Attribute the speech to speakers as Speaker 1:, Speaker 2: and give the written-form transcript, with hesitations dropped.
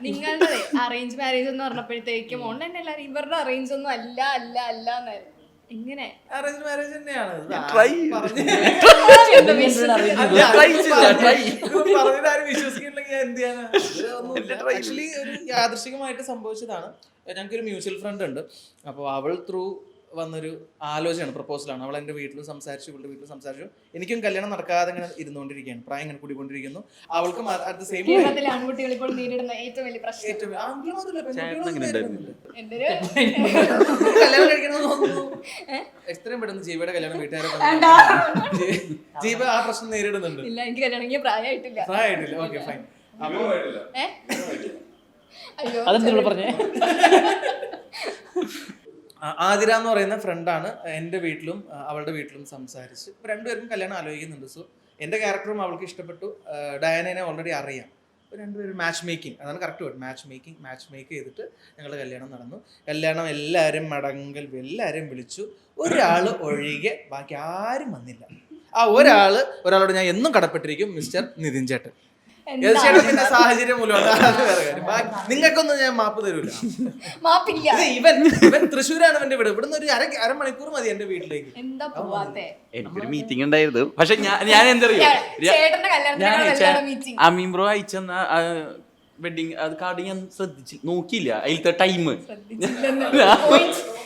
Speaker 1: നിങ്ങളുടെ arrange marriage എന്ന് പറഞ്ഞപ്പോഴത്തേക്കും online എല്ലാവരും ഇവരുടെ അറേഞ്ച് ഒന്നും അല്ല അല്ല അല്ല എന്നായിരുന്നു. എങ്ങനെ
Speaker 2: അറേഞ്ച് മാരേജ് തന്നെയാണ് പറഞ്ഞിട്ടാരും വിശ്വസിക്കുന്നില്ലെങ്കിൽ ഞാൻ എന്ത് ചെയ്യാനാ. ആക്ച്വലി ഒരു യാദൃശികമായിട്ട് സംഭവിച്ചതാണ്. ഞങ്ങൾക്കൊരു മ്യൂച്വൽ ഫ്രണ്ട് ഉണ്ട്. അപ്പോൾ അവൾ ത്രൂ വന്നൊരു ആലോചനയാണ്, പ്രപ്പോസലാണ്. അവൾ എൻ്റെ വീട്ടിലും സംസാരിച്ചു, ഇവളുടെ വീട്ടിലും സംസാരിച്ചു. എനിക്കും കല്യാണം നടക്കാതെ ഇങ്ങനെ ഇരുന്നുകൊണ്ടിരിക്കുകയാണ്, പ്രായം ഇങ്ങനെ കൂടിക്കൊണ്ടിരിക്കുന്നു. അവൾക്കും അറ്റ് ദ സെയിം
Speaker 1: കേരളത്തിലെ ആൺകുട്ടികൾ ഇപ്പോൾ നേരിടുന്ന ഏറ്റവും വലിയ പ്രശ്നം
Speaker 2: കല്യാണം കഴിക്കണമെന്ന് തോന്നുന്നു. എത്രയും പെട്ടെന്ന് ജീവയുടെ കല്യാണം വീട്ടുകാരെ ജീവ ആ പ്രശ്നം നേരിടുന്നുണ്ട്.
Speaker 1: ഇല്ല, എനിക്ക് കല്യാണം പ്രായമായിട്ടില്ല.
Speaker 2: Okay fine.
Speaker 1: അയ്യോ
Speaker 3: പറഞ്ഞേ.
Speaker 2: ആതിര എന്ന് പറയുന്ന ഫ്രണ്ടാണ് എൻ്റെ വീട്ടിലും അവളുടെ വീട്ടിലും സംസാരിച്ച് രണ്ടുപേർക്കും കല്യാണം ആലോചിക്കുന്നുണ്ട്. സോ എൻ്റെ ക്യാരക്ടറും അവൾക്ക് ഇഷ്ടപ്പെട്ടു. ഡയാനെ ഓൾറെഡി അറിയാം. അപ്പോൾ രണ്ടുപേരും മാച്ച് മേക്കിംഗ്, അതാണ് കറക്റ്റ് വേർഡ്, മാച്ച് മേക്ക് ചെയ്തിട്ട് ഞങ്ങളുടെ കല്യാണം നടന്നു. കല്യാണം എല്ലാവരും എല്ലാവരെയും വിളിച്ചു. ഒരാൾ ഒഴികെ ബാക്കി ആരും വന്നില്ല. ആ ഒരാളോട് ഞാൻ എന്നും കടപ്പെട്ടിരിക്കും, മിസ്റ്റർ നിതിൻ ചേട്ടൻ. ചേട്ടന്റെ സാഹചര്യം മൂലമാണ്. നിങ്ങൾക്കൊന്നും ഞാൻ മാപ്പ് തരൂല. ഇവൻ തൃശ്ശൂരാണ് എന്റെ വീട്. ഇവിടുന്ന് ഒരു അരമണിക്കൂർ മതി എന്റെ വീട്ടിലേക്ക്.
Speaker 3: എനിക്കൊരു മീറ്റിംഗ് ഉണ്ടായിരുന്നു. പക്ഷെ ഞാൻ എന്തറിയോ, അമീൻ ബ്രോ അയച്ചെന്ന വെഡിങ് അത് കാർഡ് ഞാൻ നോക്കിയില്ല. അതിലത്തെ ടൈം